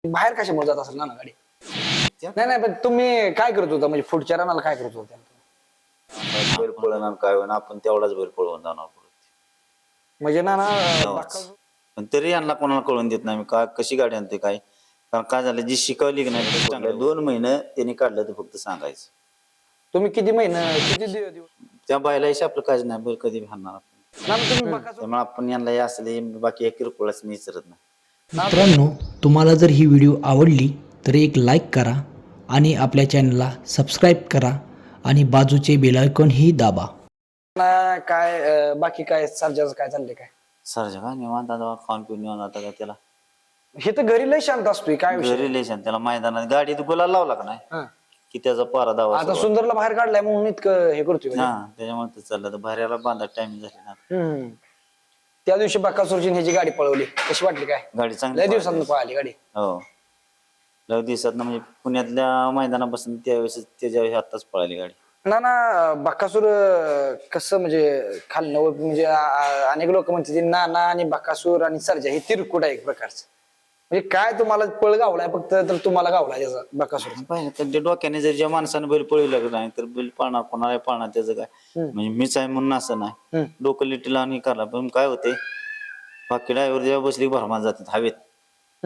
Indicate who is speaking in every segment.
Speaker 1: बाहेर कशामुळे जात असेल ना गाडी? नाही नाही, पण तुम्ही काय करत होता म्हणजे पुढच्या रनाला काय करत होता?
Speaker 2: बैल पळणार काय होईना आपण तेवढाच बैल पळवून जाणार
Speaker 1: म्हणजे ना
Speaker 2: पण तरी यांना कोणाला कळून देत नाही का कशी गाडी आणते काय. कारण काय झालं जी शिकवली की नाही चांगल्या 2 महिने त्यांनी काढलं तर फक्त सांगायचं.
Speaker 1: तुम्ही किती महिने किती दिवस
Speaker 2: त्या बैलाशी आपलं काय नाही बैल कधी भांडणार
Speaker 1: तुम्ही
Speaker 2: त्यामुळे आपण यांना हे असले बाकी एक किरकोळच मी विचारत नाही.
Speaker 3: मित्रांनो, तुम्हाला जर ही व्हिडिओ आवडली तर एक लाईक करा आणि आपल्या चॅनलला सबस्क्राईब करा आणि बाजूचे बेल आयकॉन ही दाबा.
Speaker 1: काय बाकी काय सर्जाचं काय चाललंय काय?
Speaker 2: सरजा का निवांत आता खाऊन पिऊन निवांत आता काय त्याला
Speaker 1: हे तर घरी लय शांत असतोय काय विषय?
Speaker 2: रिलेशन त्याला मैदानात गाडीत गुलाल लावला का नाही
Speaker 1: हा.
Speaker 2: की त्याचा पारा दावा
Speaker 1: आता सुंदरला बाहेर काढलाय म्हणून इतकं हे करतोय म्हणजे.
Speaker 2: हा त्याच्यामुळे ते चाललं तर भाऱ्याला बांधा टाइम झाली ना.
Speaker 1: त्या दिवशी बकासूरची ह्याची गाडी पळवली, कशी वाटली काय?
Speaker 2: गाडी चांगली
Speaker 1: लय दिवसांनी पळाली गाडी.
Speaker 2: हो लय दिवसात म्हणजे पुण्यातल्या मैदानापासून त्यावेळेस त्याच्या आताच पळाली गाडी.
Speaker 1: ना बकासूर कसं म्हणजे खालनं म्हणजे अनेक लोक म्हणतात नाना आणि बकासूर आणि सर्जा हे तिरकुट आहे एक प्रकारचं. म्हणजे काय तुम्हाला पळ गावलाय फक्त तर तुम्हाला गावलाय त्याचा बकासूर.
Speaker 2: पाहिलं तर डोक्याने जर ज्या माणसाने बैल पळवलं नाही तर बैल पाळणार कोणाला पाळणार त्याचं काय म्हणजे मीच आहे म्हणून असं नाही. डोकं लिटीला आणि करा पण काय होते बाकी ड्रायव्हर जेव्हा बसली भरमात जातात हवेत.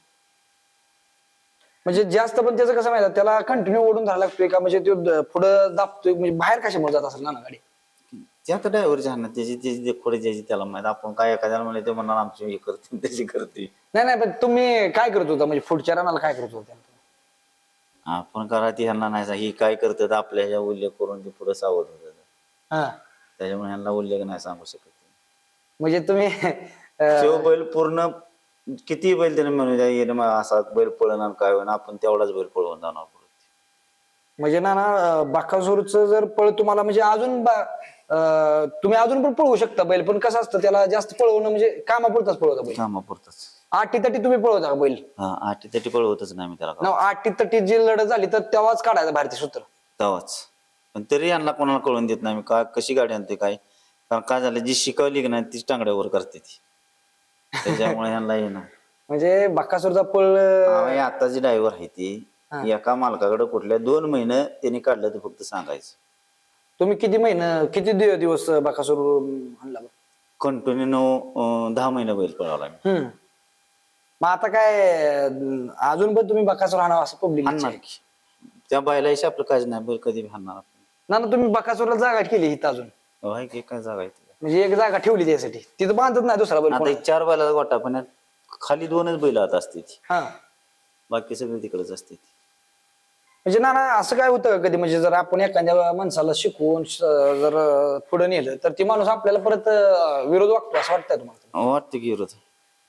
Speaker 1: म्हणजे जास्त पण त्याचं कसं माहिती त्याला कंटिन्यू ओढून धरायला लागतोय का म्हणजे तो पुढं दाबतोय म्हणजे बाहेर कशामुळे जात असेल ना गाडी?
Speaker 2: ते आता ड्रायव्हरच्या हातात त्याची खोडे ज्याची त्याला माहित. आपण काय एखाद्याला म्हणले ते म्हणणार आमची हे करते त्याची करते.
Speaker 1: नाही नाही, पण तुम्ही काय करत होता म्हणजे पुढच्या रनाला काय करत होता?
Speaker 2: आपण करा ती ह्यांना नाही ही काय करतात आपल्या ह्या उल्लेख करून ते पुढे सावध होत त्याच्यामुळे ह्यांना उल्लेख नाही सांगू शकत.
Speaker 1: म्हणजे तुम्ही
Speaker 2: तो बैल पूर्ण किती बैल त्याने म्हणून असा बैल पळणार काय होईना आपण तेवढाच बैल पळवून जाणार.
Speaker 1: म्हणजे ना बकासूरचं जर पळ तुम्हाला म्हणजे अजून तुम्ही अजून पण पळवू शकता बैल, पण कसं असतं त्याला जास्त पळवणं म्हणजे कामापुरताच पळवता बैल.
Speaker 2: कामापुरतच
Speaker 1: आठी तटी तुम्ही पळवता का बैल?
Speaker 2: हा आठी तटी पळवतच नाही मी त्याला.
Speaker 1: आठी तटी जी लढत झाली तर तेव्हाच काढायचं भारतीय सूत्र
Speaker 2: तेव्हाच. पण तरी यांना कोणाला कळून देत नाही का कशी गाडी आणते काय. कारण काय झालं जी शिकवली की नाही तीच टांगड्यावर करते ती त्याच्यामुळे ह्यांना येणार.
Speaker 1: म्हणजे बकासूरचा पळ
Speaker 2: आताची ड्रायव्हर आहे ती एका मालकाकडे कुठल्या 2 महिने त्यांनी काढलं तर फक्त सांगायचं.
Speaker 1: तुम्ही किती महिने किती दिवस बकासूर आणला?
Speaker 2: कंटिन्यू 10 महिने बैल पळवला.
Speaker 1: मग आता काय अजून पण तुम्ही बकासूर आणावं असं पब्लिक
Speaker 2: आणणार की त्या बैलाशी आपलं काय नाही बैल कधी आणणार.
Speaker 1: ना तुम्ही बकासूरला जागा केली इथं अजून
Speaker 2: काय जागा आहे
Speaker 1: म्हणजे एक जागा ठेवली त्यासाठी तिथं बांधत नाही दुसरा बैल.
Speaker 2: आता 4 बैलाचा गोटा पण खाली 2च बैल आता असते
Speaker 1: हा
Speaker 2: बाकी सगळे तिकडेच असते.
Speaker 1: म्हणजे ना असं काय होतं कधी म्हणजे जर आपण एखाद्या माणसाला शिकवून जर पुढे नेलं तर ती माणूस आपल्याला परत विरोध वाटतो असं वाटतंय तुम्हाला?
Speaker 2: वाटतं की विरोध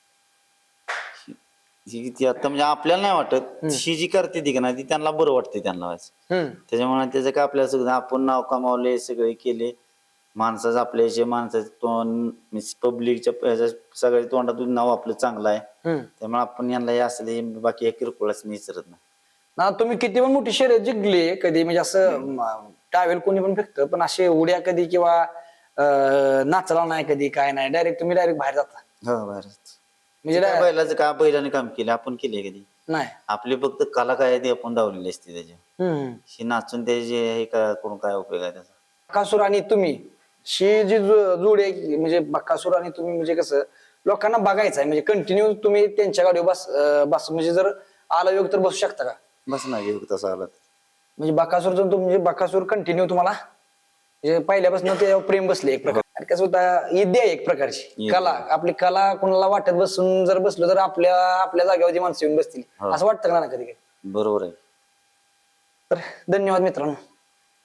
Speaker 2: आता म्हणजे आपल्याला नाही वाटत. ही जी करते ती का नाही ती त्यांना बरं वाटते त्यांना त्याच्यामुळे त्याचं काय आपल्याला सगळं आपण नाव कमावले सगळे केले माणसाचं आपल्याचे माणसाचं तोंड पब्लिकच्या सगळ्या तोंडातून नाव आपलं चांगलं आहे त्यामुळे आपण यांना हे असले बाकी एक किरकोळच मी विचारत नाही.
Speaker 1: ना तुम्ही किती पण मोठी शर्यत जिंकली कधी म्हणजे असं टावेल कोणी पण फेकतं पण असे उड्या कधी किंवा नाचला नाही कधी काय नाही तुम्ही डायरेक्ट बाहेर जाता?
Speaker 2: हो बाहेर
Speaker 1: म्हणजे
Speaker 2: बैलाचं का बैलाने काम केलं आपण केले कधी
Speaker 1: नाही.
Speaker 2: आपली फक्त कला काय आहे ती आपण दावलेली असते त्याची नाचून त्याची हे करून काय उपयोग आहे त्याचा.
Speaker 1: बकासूर आणि तुम्ही शी जी जोड आहे म्हणजे बकासूर आणि तुम्ही म्हणजे कसं लोकांना बघायचं आहे म्हणजे कंटिन्यू तुम्ही त्यांच्या गाडीवर बस म्हणजे जर आला योग तर बसू शकता का?
Speaker 2: बस नाही तसं आलं
Speaker 1: म्हणजे बकासूर म्हणजे बकासूर कंटिन्यू तुम्हाला म्हणजे पहिल्यापासून ते प्रेम बसले एक प्रकार कसं होता विद्या एक प्रकारची कला आपली कला कोणाला वाटत बसून जर बसलो तर आपल्या जागेवरची माणसं येऊन बसतील असं वाटतं का ना कधी कधी?
Speaker 2: बरोबर आहे.
Speaker 1: तर धन्यवाद मित्रांनो.